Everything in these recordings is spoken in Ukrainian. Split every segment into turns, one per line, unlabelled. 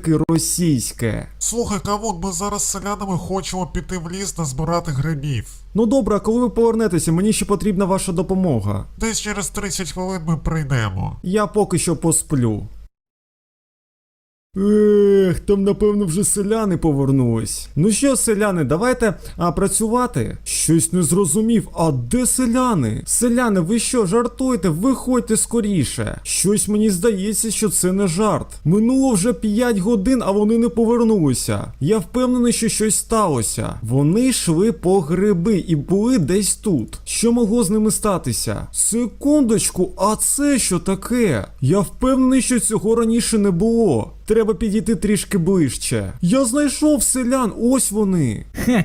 таки російське.
Слухай, Кавун, ми зараз з селянами хочемо піти в ліс назбирати грибів.
Ну добре, а коли ви повернетеся, мені ще потрібна ваша допомога.
Десь через 30 хвилин ми прийдемо.
Я поки що посплю. Там напевно вже селяни повернулись. Ну що, селяни, давайте працювати? Щось не зрозумів, а де селяни? Селяни, ви що, жартуєте? Виходьте скоріше. Щось мені здається, що це не жарт. Минуло вже 5 годин, а вони не повернулися. Я впевнений, що щось сталося. Вони йшли по гриби і були десь тут. Що могло з ними статися? Секундочку, а це що таке? Я впевнений, що цього раніше не було. Треба підійти трішки ближче. Я знайшов селян, ось вони.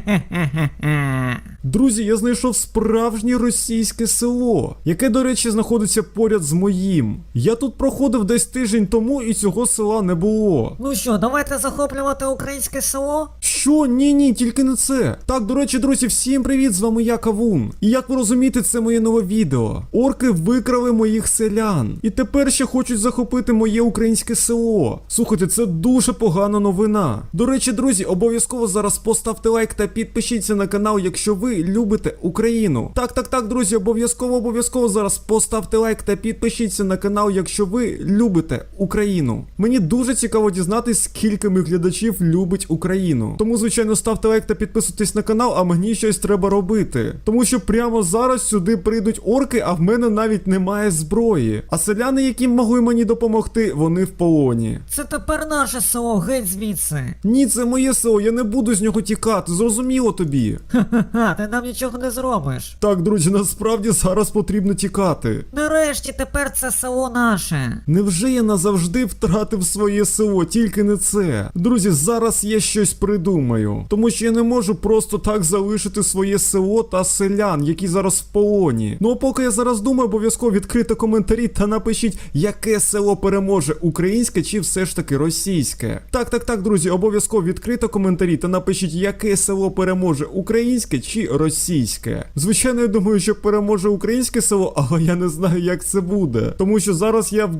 Друзі, я знайшов справжнє російське село, яке, до речі, знаходиться поряд з моїм. Я тут проходив десь тиждень тому і цього села не було.
Ну що, давайте захоплювати українське село?
Що? Ні, тільки не це. Так, до речі, друзі, всім привіт, з вами я, Кавун. І як ви розумієте, це моє нове відео. Орки викрали моїх селян. І тепер ще хочуть захопити моє українське село. Слухайте, це дуже погана новина. До речі, друзі, обов'язково зараз поставте лайк та підпишіться на канал, якщо ви любите Україну. Так, друзі, обов'язково зараз поставте лайк та підпишіться на канал, якщо ви любите Україну. Мені дуже цікаво дізнатись, скільки моїх глядачів любить Україну. Тому, звичайно, ставте лайк та підписуйтесь на канал, а мені щось треба робити. Тому що прямо зараз сюди прийдуть орки, а в мене навіть немає зброї. А селяни, які могли мені допомогти, вони в полоні.
Це тепер наше село, геть звідси.
Ні, це моє село, я не буду з нього тікати, зрозуміло тобі?
Ха-ха-ха, ти нам нічого не зробиш.
Так, друзі, насправді зараз потрібно тікати.
Нарешті тепер це село наше.
Невже я назавжди втратив своє село, тільки не це? Друзі, зараз я щось придумаю. Тому що я не можу просто так залишити своє село та селян, які зараз в полоні. Ну а поки я зараз думаю, обов'язково відкрити коментарі та напишіть, яке село переможе, українське чи все ж таки російське. Так, друзі, обов'язково відкрити коментарі та напишіть, яке село переможе, українське чи російське. Звичайно, я думаю, що переможе українське село, але я не знаю, як це буде. Тому що зараз я в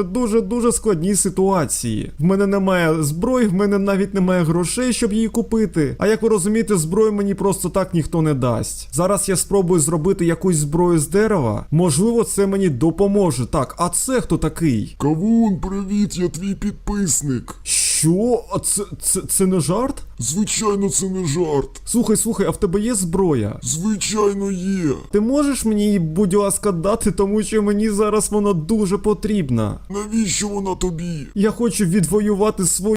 дуже складній ситуації. В мене немає зброї, в мене навіть немає грошей, щоб її купити. А як ви розумієте, зброю мені просто так ніхто не дасть. Зараз я спробую зробити якусь зброю з дерева. Можливо, це мені допоможе. Так, а це хто такий?
Кавун, привіт, я твій підписник.
Що? А це не жарт?
Звичайно, це не жарт.
Слухай, а в тебе є зброя?
Звичайно, є.
Ти можеш мені її, будь ласка, дати, тому що мені зараз вона дуже потрібна.
Навіщо вона тобі?
Я хочу відвоювати свою